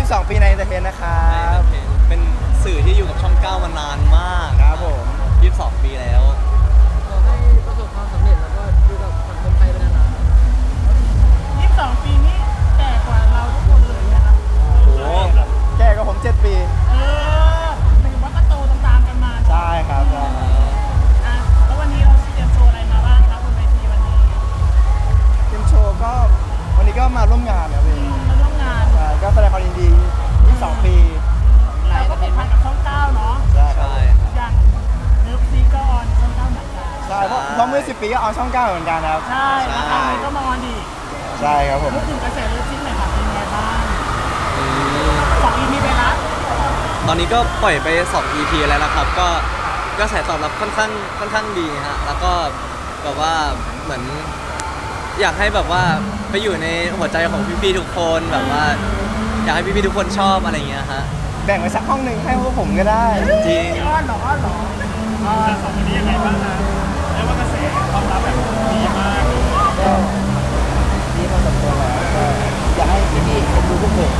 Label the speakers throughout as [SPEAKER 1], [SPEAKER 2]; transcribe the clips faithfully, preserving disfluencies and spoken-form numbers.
[SPEAKER 1] สิบสองปีในเอนเตอร์เทนนะครับ
[SPEAKER 2] เป็นสื่อที่อยู่กับช่องเก้ามานานมาก
[SPEAKER 1] ครับผม
[SPEAKER 2] ยี่สิบสองปีแล้ว
[SPEAKER 3] ขอให้ประสบความสำเร็จแล้วก็อยู่กับสังคมไทยไปนาน
[SPEAKER 4] ๆยี่สิบสองปีนี้แก่กว่าเราทุกคนเลยนะครับ
[SPEAKER 2] โอ้โห
[SPEAKER 1] แก่กว่าผมเจ็ดปี
[SPEAKER 4] เออหมายถึงว่าก็โตตามๆกันมา
[SPEAKER 1] ใช่ครับใช่
[SPEAKER 4] อ่ะแล้ววันนี้เราเตรียมโชว์อะไรมาบ้างครับบนเวทีวันนี้
[SPEAKER 1] เตรียมโชว์ก็วันนี้ก็มาร่วมงานครับพี่
[SPEAKER 4] มาร่วมงาน
[SPEAKER 1] ใช่ก็แสดงความยินดียี่สิบสองปี
[SPEAKER 4] เราก็เป็นพันกับช่องเก้าเนาะ
[SPEAKER 1] ใช่
[SPEAKER 2] ใช่
[SPEAKER 4] อย่างเลิฟซีก็ออนช่องเก้าเหมือนกัน
[SPEAKER 1] ใช่เพราะเพราะเมื่อสิบปีก็ออนช่องเก้าเหมือนกันครับ
[SPEAKER 4] ใช่แล้วครั้งนี้ก็มาออนอีก
[SPEAKER 1] ใช่ครับผม
[SPEAKER 4] พูดถึงกระแสเลิฟซีหน่อยค่ะเป็นไงบ้างสอง อี พี ไปละ
[SPEAKER 2] ตอนนี้ก็ปล่อยไปสอง อี พี แล้วนะครับก็กระแสตอบรับค่อนข้างค่อนข้างดีฮะแล้วก็แบบว่าเหมือนอยากให้แบบว่าไปอยู่ในหัวใจของพี่ๆทุกคนแบบว่าอยากให้พี่ๆทุกคนชอบอะไรอย่างเงี้ยฮะ
[SPEAKER 1] แบ่งไว้สักห้องหนึ่งให้พวกผมก็ได้
[SPEAKER 2] จริง
[SPEAKER 4] อ้อนหรออ้อนหรออ่าสองคนนี้ยังไงบ้างนะเรียกว่ากระแสตอบรับแบบดีมาก
[SPEAKER 1] ก็ดีพอสมควรแล้วก็อยากให้พี่ๆเอ็นดูพวกผม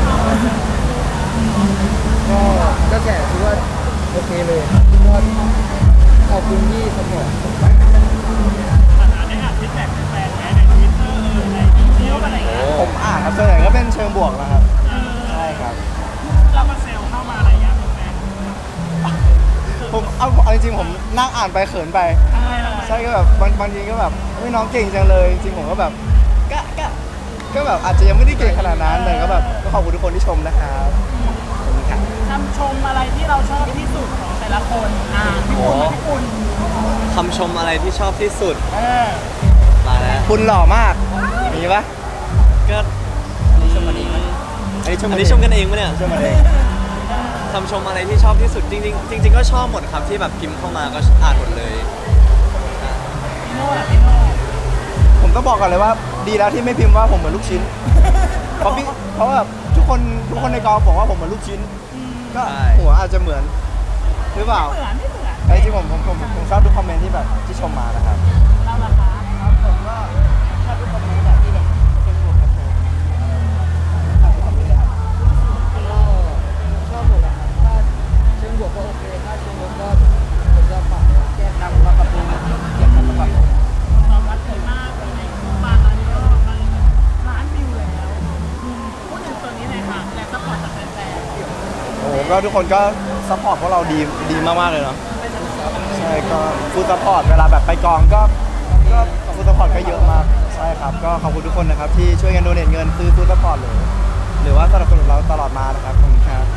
[SPEAKER 3] ก็กระแสถือว่าโอเคเลยก็ขอบคุณที่สปอร์ต
[SPEAKER 4] ฐานะได้อ่านฟีดแบ็กแฟนๆไหมในทวิตเตอร์เออในอินเดียอะไรอย่างเงี้ย
[SPEAKER 1] ผมอ่านครับส่วนใหญ่ก็เป็นเชิงบวกนะครับใช่ครับ
[SPEAKER 4] เรามาเซลเข้ามาอะไรอย่างเงี้ยแฟน
[SPEAKER 1] ผมเอาเอาจริงๆผมนั่งอ่านไปเขินไปใช่ก็แบบบางบางทีก็แบบเฮ้ยน้องเก่งจังเลยจริงผมก็แบบก็ก็ก็แบบอาจจะยังไม่ได้เก่งขนาดนั้นแต่ก็แบบก็ขอบคุณทุกคนที่ชมนะครับขอบคุณครับ
[SPEAKER 4] คำชมอะไรที่เราชอบที่สุดของแต่ละคนอ่าพี่คุณพี่คุณ
[SPEAKER 2] คำชมอะไรที่ชอบที่สุด
[SPEAKER 4] เออ
[SPEAKER 2] มาแล้ว
[SPEAKER 1] คุณหล่อมากมีปะ
[SPEAKER 2] ก็
[SPEAKER 1] ชมกันเองอันนี้ชม
[SPEAKER 2] อันนี้ชมกันเองปะเนี่ย
[SPEAKER 1] ชมกันเอง
[SPEAKER 2] คำชมอะไรที่ชอบที่สุดจริงๆจริงๆก็ชอบหมดครับที่แบบพิมพ์เข้ามาก็อ่านหมดเลย
[SPEAKER 4] พี่โน่ล่ะพี่โน่
[SPEAKER 1] ผมต้องบอกก่อนเลยว่าดีแล้วที่ไม่พิมพ์ว่าผมเหมือนลูกชิ้นเพราะพี่เพราะแบบทุกคนทุกคนในกองบอกว่าผมเหมือนลูกชิ้นก็หัวอาจจะเหมือนหรือเปล่า
[SPEAKER 4] เหมือนไม่เหมือน
[SPEAKER 1] ไอ้ที่ผมผมผมผมชอบทุกคอมเมนต์ที่แบบที่ชมมานะครับ
[SPEAKER 4] เราล่ะคะ
[SPEAKER 1] ครับผมก็ชอบทุกคอมเมนต์แบบที่แบบเป็นบวกครับผมชอบทุกคอมเมนต์เลยครับ
[SPEAKER 3] ก็ชอบหมดนะครับถ้าเชิงบวกก็โอเคถ้าเชิงลบก็ผมจะปรับแก้
[SPEAKER 1] นำมาปรับปรุงเกี่ยวกับแบบ
[SPEAKER 4] ตอบรับดีมากเลยมาตอนนี้ก็มาล้านวิวแล้วพูดถึงตัวนี้หน่อยค่ะแรงซัพพอร์ตจากแฟนๆ
[SPEAKER 1] โอ้โหก็ทุกคนก็ซัพพอร์ตพวกเราดีดีมากๆเลยเนาะใช่ก็ฟูลซัพพอร์ตเวลาแบบไปกองก็ก็ฟูลซัพพอร์ตก็เยอะมากใช่ครับก็ขอบคุณทุกคนนะครับที่ช่วยกันโดเนทเงินซื้อฟูลซัพพอร์ตเลยหรือว่าสนับสนุนเราตลอดมานะครับขอบคุณครับ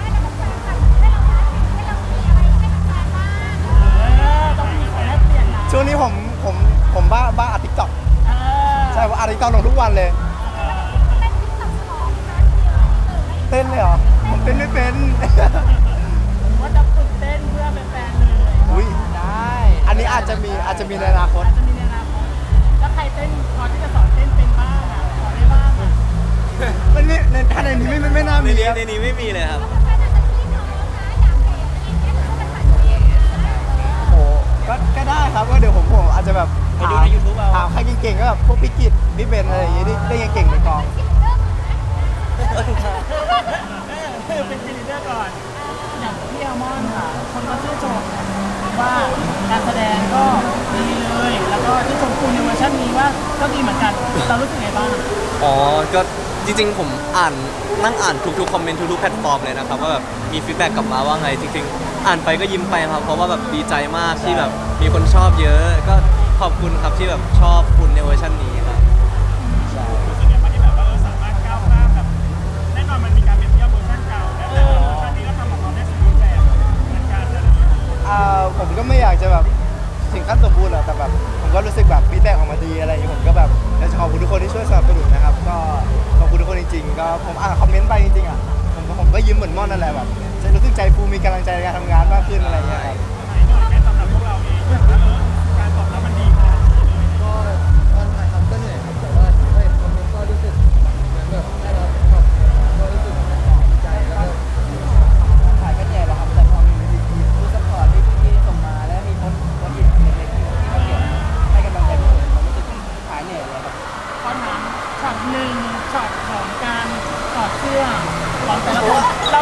[SPEAKER 1] ช่วงนี้ผมผมผมบ้าบ้าอัดทิกต็อกใช่ว่าอัดทิกต็อกลงทุกวันเลยเต้นเลยเหรอผมเต้นไม่เป็น
[SPEAKER 4] ว่าจะฝึกเต้นเพื่อเป็นแฟนเลย
[SPEAKER 1] อุ้ย
[SPEAKER 3] ได้
[SPEAKER 1] อันนี้อาจจะมีอาจจะมีในอนาคต
[SPEAKER 4] อาจจะมีในอนาคตแล้วใครเต้นพอที่จะสอนเต้นเป็นบ้างอ่ะสอนได้บ้างอ่ะ
[SPEAKER 1] มันไม่ในท่านในนี้ไม่ไม่น่ามี
[SPEAKER 2] ในนี้ในนี้ไม่มีเลยครับ
[SPEAKER 1] โอ้ก็ก็ได้ครับก็เดี๋ยวผมผมอาจจะแบบ
[SPEAKER 2] ไปดูใน ยูทูบ เอา
[SPEAKER 1] ถามใครเก่งๆก็แบบพวกพี่กิตพี่เบนอะไรอย่างงี้ที่ได้เก่งๆในกอง
[SPEAKER 4] เป็นซีรีส์ก่อนอย่างพี่อัลมอนด์ค่ะคนก็ชื่นชมว่าการแสดงก็ดีเลยแล้วก็ที่ชมคุณในเวอร์ชันนี้ว่าก็ดีเหมือนกันเรารู้สึกไงบ้าง
[SPEAKER 2] อ๋อก็จริงๆผมอ่านนั่งอ่านทุกๆคอมเมนต์ทุกๆแพลตฟอร์มเลยนะครับว่าแบบมีฟีดแบ็กกลับมาว่าไงจริงๆอ่านไปก็ยิ้มไปครับเพราะว่าแบบดีใจมากที่แบบมีคนชอบเยอะก็ขอบคุณครับที่แบบชอบคุณในเวอร์ชันนี้ครับ
[SPEAKER 4] รู้สึกยังไงที่แบบว่าเราสามารถก้าวข้ามแบบแน่นอนมันมีการเปรียบเทียบเวอร์ชันเก่าแล้วแต่เวอร์ชันนี้ก็ทำออกมาได้สมบูรณ์แบบเหมือนกันอะไรอย่างเงี้ย
[SPEAKER 1] อ่าผมก็ไม่อยากจะแบบถึงขั้นสมบูรณ์หรอกแต่แบบผมก็รู้สึกแบบฟีดแบ็กออกมาดีอะไรอย่างเงี้ยผมก็แบบอยากจะขอบคุณทุกคนที่ช่วยสนับสนุนนะครับก็ขอบคุณทุกคนจริงๆก็ผมอ่านคอมเมนต์ไปจริงๆอ่ะผมก็ผมก็ยิ้มเหมือนม่อนนั่นแหละแบบจะรู้สึกใจฟูมีกำลังใจในการทำงานมากขึ้นอะไรอย่างเงี้ยครับ
[SPEAKER 4] ไหนหน่อยแค่สำหรับพวกเราเองว่าเออการตอบรับมันดีขนาดนี้เลย
[SPEAKER 3] ก็ตอนถ่ายทำก็เหนื่อยครับแต่ว่าเฮ้ยคอมเมนต์ก็รู้สึกเหมือนแบบได้รับแบบก็รู้สึกดีใจแล้วก็
[SPEAKER 1] ถ่ายก็แย่แล้วครับแต่พอมีมีฟู้ดซัพพอร์ตที่พี่ๆส่งมาแล้วมีคนคนอีกเล็กๆที่เขาเขียนให้กำลังใจพวกผมผมรู้สึกหายเหนื่อยเลยครับ
[SPEAKER 4] ข้อถามช็อตหนึ่งช็อตของการถอดเสื้อของแต่ละคน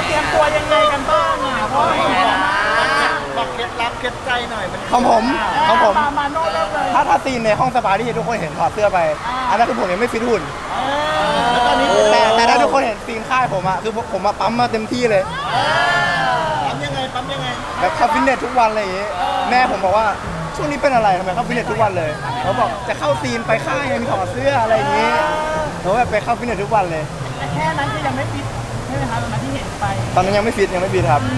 [SPEAKER 3] ดลับเคล็ดใจหน่อยมัน
[SPEAKER 1] ของผมของผม
[SPEAKER 4] มามาโน่เริ่มเลย
[SPEAKER 1] ถ้าถ้าซีนในห้องสปาที่ทุกคนเห็นถอดเสื้อไป อันนั้นคือผมยังไม่ฟิตหุ่น
[SPEAKER 3] แล้วตอนนี้
[SPEAKER 1] แต่แต่ถ้าทุกคนเห็นซีนค่ายผมอะคือผมผมมาปั๊มมาเต็มที่เลย
[SPEAKER 3] ปั๊มยังไงปั๊มยังไง
[SPEAKER 1] แบบเข้าฟิตเนสทุกวันอะไรอย่างงี้แม่ผมบอกว่าช่วงนี้เป็นอะไรทำไมเข้าฟิตเนสทุกวันเลยเขาบอกจะเข้าซีนไปค่ายไงมีถอดเสื้ออะไรอย่างงี้ผมแบบไปเข้าฟิตเนสทุกวันเลย
[SPEAKER 4] แต่แค่นั้นก็ยังไม่ฟิตใช่ไหมคะตอนนั้นที่เห็นไป
[SPEAKER 1] ตอนนั้นยังไม่ฟิตยังไม่ฟิตครับ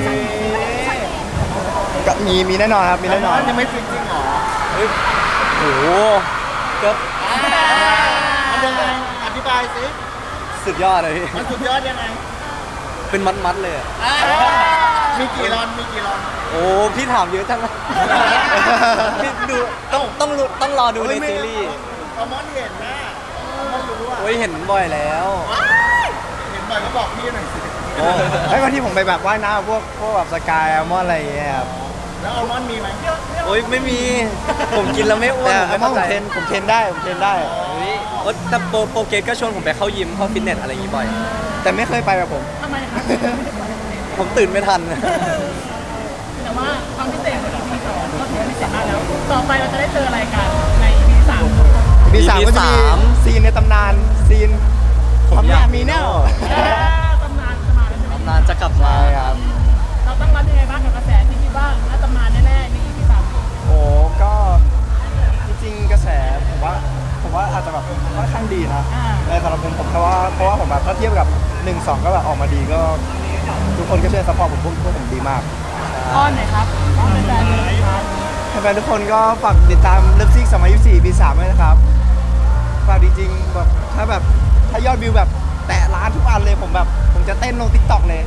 [SPEAKER 1] ก็มีมีแน่นอนครับมีแน่นอน
[SPEAKER 3] ยังไม่ฟิตจริงเหรอ
[SPEAKER 2] เฮ้ยโหก็
[SPEAKER 3] มันยังไงอธิบายสิ
[SPEAKER 2] สุดยอดเลยพี่
[SPEAKER 3] มันสุดยอดยังไง
[SPEAKER 2] เป็นมัดๆเลยอะ
[SPEAKER 3] มีกี่รอนมีกี่รอน
[SPEAKER 2] โอ้พี่ถามเยอะจังเลยพี่ดูต้องต้องรู้ต้องรอดูในซีรีส์
[SPEAKER 3] เอามอนเห็นนะมอนรู้อ่ะ
[SPEAKER 2] โอ้ยเห็นบ่อยแล้ว
[SPEAKER 3] เห็นบ่อยก็บอกพี่หน่อยสิ
[SPEAKER 2] โอ้
[SPEAKER 1] ไอ้วันที่ผมไปแบบว่ายน้ำพวกพวกแบบสกายแอลมอนอะไรอย่างเงี้ยครับ
[SPEAKER 3] แล้วอัลมอนด์มีไหม
[SPEAKER 2] โอ้ยไม่มี ผมกินแล้วไม่อ้วน
[SPEAKER 1] แต่
[SPEAKER 2] ผม
[SPEAKER 1] แอ
[SPEAKER 2] ไม่
[SPEAKER 1] ลมอน
[SPEAKER 2] เข้า
[SPEAKER 1] ผม
[SPEAKER 2] ใจ
[SPEAKER 1] เทรนผมเทรนได้ผมเทรนได้
[SPEAKER 2] เฮ้ยโอ๊ยแต่โปรโปรเกรสก็ชวนผมไปเข้ายิมเข้าฟิตเนสอะไรอย่างงี้บ่อย
[SPEAKER 1] แต่ไม่เคยไปแบบผม
[SPEAKER 4] ทำไมคะ
[SPEAKER 2] ผมตื่นไม่ทัน
[SPEAKER 4] แต่ว่าความพิเศษของ อี พี สองก็ถือว่าพิเศษมากแล้ว ต่อไปเราจะได้เจออะไรกันใน อี พี สาม
[SPEAKER 1] มีสามก็จะมี
[SPEAKER 2] สาม
[SPEAKER 1] ซีนในตำนานซีน
[SPEAKER 2] ผมอยาก
[SPEAKER 1] มีแน่
[SPEAKER 4] ตำนานจะมาแล้วใช่ไหม
[SPEAKER 2] ตำนานจะกลับมา
[SPEAKER 1] ใช่ครับ
[SPEAKER 4] เราต้องรับยังไงบ้างกับกระแสที่คิดว่าน่าตำนานแน่ๆใน อี พี สาม
[SPEAKER 1] โอ้ก็จริงๆกระแสผมว่าผมว่าอาจจะแบบค่อนข้างดีนะในสำหรับผมผมเพราะว่าเพราะว่าผมแบบถ้าเทียบกับหนึ่งสองก็แบบออกมาดีก็ ทุกคนก็ช่วยซัพพอร์ตผมพวกพวกผมดีมาก
[SPEAKER 4] อ้อนหน่อยครับอ้อนแฟนๆเลยครับ
[SPEAKER 1] แฟนๆทุกคนก็ฝากติดตามเลิฟซิกสองพันยี่สิบสี่ปีสามด้วยนะครับฝากจริงๆแบบถ้าแบบถ้ายอดวิวแบบแตะล้านทุกอันเลยผมแบบผมจะเต้นลงทิกตอกเลย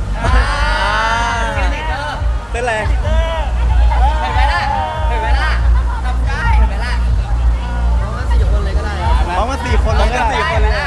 [SPEAKER 2] เต้นอะไร
[SPEAKER 5] เห็นไหมล่ะ เห็นไหมล่ะทำได้เห็นไหมล่ะ
[SPEAKER 3] เอามาสี่คนเลยก็ได้อะ
[SPEAKER 1] เพราะมาสี่คนเลยก็
[SPEAKER 2] สี่
[SPEAKER 1] ได้
[SPEAKER 2] คนเลยอะ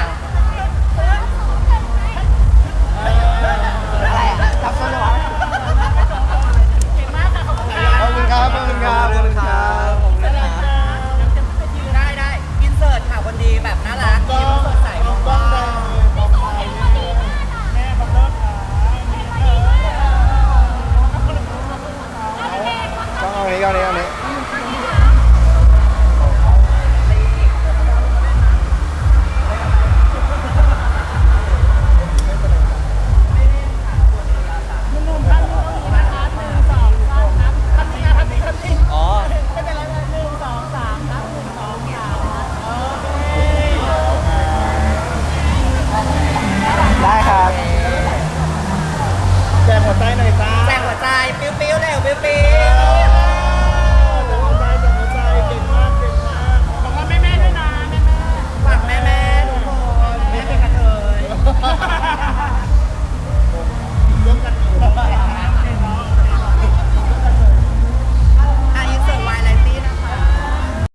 [SPEAKER 1] จับต้นเลยวะ
[SPEAKER 4] เก่งมากค่ะขอบคุณค่ะ
[SPEAKER 1] ขอบคุณครับขอบคุณครับขอบคุณครับ
[SPEAKER 2] ผมเลยนะ
[SPEAKER 5] ได้ได้อินเสิร์ตค่ะคนดีแบบน่ารัก
[SPEAKER 3] ก็
[SPEAKER 5] ยิ้มสดใส
[SPEAKER 3] เอากล้องได้มองไป
[SPEAKER 4] แม่ขอบคุณค่ะ
[SPEAKER 1] ก็เอาอันนี้ก็เอาอันนี้เอาอันนี้